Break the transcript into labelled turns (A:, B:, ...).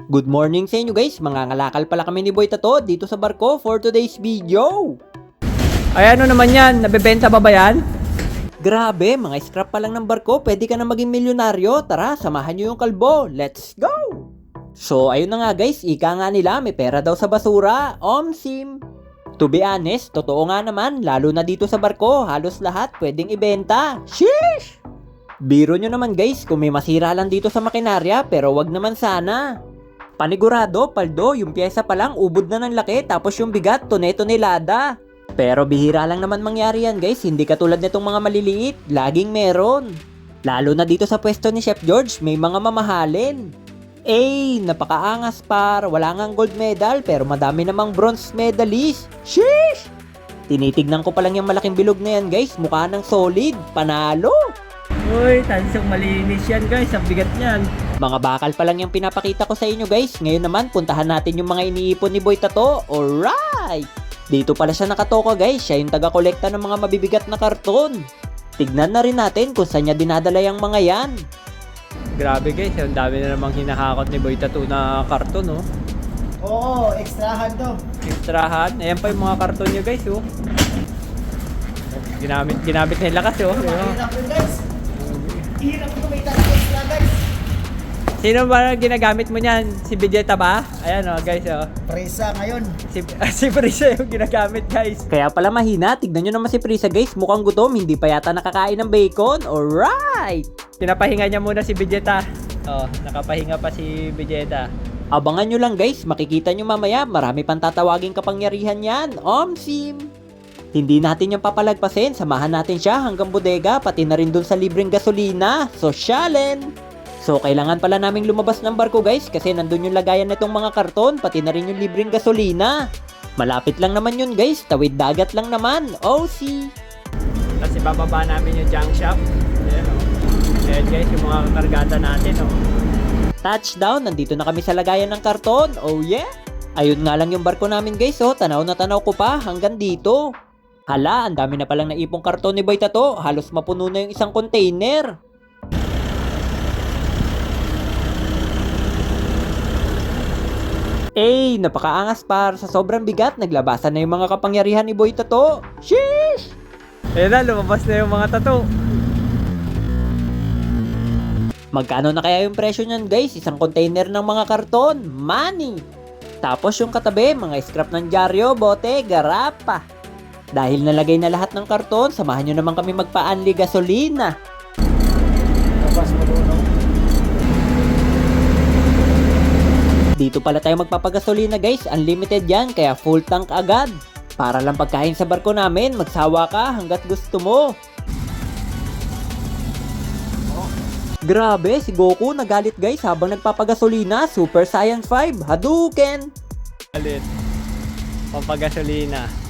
A: Good morning sa inyo guys, mangangalakal pala kami ni Boy Tato dito sa barko for today's video.
B: Ay ano naman yan, nabebenta ba yan?
A: Grabe, mga scrap pa lang ng barko, pwede ka na maging milyonaryo. Tara, samahan nyo yung kalbo, let's go! So ayun na nga guys, ika nga nila may pera daw sa basura, Omsim. To be honest, totoo nga naman, lalo na dito sa barko, halos lahat pwedeng ibenta. Sheesh! Biro nyo naman guys, kung may masira lang dito sa makinarya, pero wag naman sana. Panigurado, paldo, yung pyesa pa lang ubod na ng laki tapos yung bigat tonelada. Pero bihira lang naman mangyari yan guys, hindi katulad nitong mga maliliit, laging meron. Lalo na dito sa pwesto ni Chef George, may mga mamahalin. Napakaangas par, wala ngang gold medal pero madami namang bronze medalist. Sheesh! Tinitignan ko pa lang yung malaking bilog na yan guys, mukha ng solid, panalo.
B: Uy, tansong malinis yan guys, ang bigat niyan.
A: Mga bakal pa lang yung pinapakita ko sa inyo guys. Ngayon naman, puntahan natin yung mga iniipon ni Boy Tato. Alright! Dito pala siya nakatoka guys. Siya yung taga-kolekta ng mga mabibigat na karton. Tignan na rin natin kung saan niya dinadala yung mga yan.
B: Grabe guys, ang dami na namang hinahakot ni Boy Tato na karton, oh.
C: Oo, extrahan to.
B: Extrahan. Ayan pa yung mga karton niya guys, oh. Ginamit nila kasi, oh.
C: Mahirap yun guys. Hirap kumita ng extra guys.
B: Sino ba ginagamit mo niyan? Si Vegeta ba? Ayan, oh guys, oh.
C: Presa ngayon.
B: Si Prisa yung ginagamit guys.
A: Kaya pala mahina. Tignan nyo naman si Prisa guys. Mukhang gutom. Hindi pa yata nakakain ng bacon. Alright!
B: Pinapahinga niya muna si Vegeta. Oh, nakapahinga pa si Vegeta.
A: Abangan nyo lang guys. Makikita nyo mamaya. Marami pang tatawaging kapangyarihan yan. Omsim! Hindi natin yung papalagpasin. Samahan natin siya hanggang bodega. Pati na rin dun sa libreng gasolina. Sosyalen! So, kailangan pala naming lumabas ng barko guys. Kasi nandun yung lagayan nitong mga karton. Pati na rin yung libreng gasolina. Malapit lang naman yun guys. Tawid dagat lang naman. OC!
B: Tapos ibababa namin yung junk shop. Ayan, oh. Ayan guys, yung mga kargada natin, oh.
A: Touchdown! Nandito na kami sa lagayan ng karton. Oh yeah! Ayun nga lang yung barko namin guys. Oh, tanaw na tanaw ko pa hanggang dito. Hala, ang dami na palang naipong karton ni Boy Tato. Halos mapuno na yung isang container. Napakaangas par. Sa sobrang bigat, naglabasan na yung mga kapangyarihan ni Boy Tato. Sheesh!
B: Ayan na, lumabas na yung mga tato.
A: Magkano na kaya yung presyo niyan guys? Isang container ng mga karton. Money! Tapos yung katabi, mga scrap ng dyaryo, bote, garapa. Dahil nalagay na lahat ng karton, samahan nyo naman kami magpa-unli gasolina.
C: Labas mo doon.
A: Dito pala tayo magpapagasolina guys, unlimited yan, kaya full tank agad. Para lang pagkain sa barko namin, magsawa ka hanggat gusto mo. Grabe, si Goku nagalit guys habang nagpapagasolina, Super Saiyan 5, Hadouken!
B: Alit. Pampagasolina.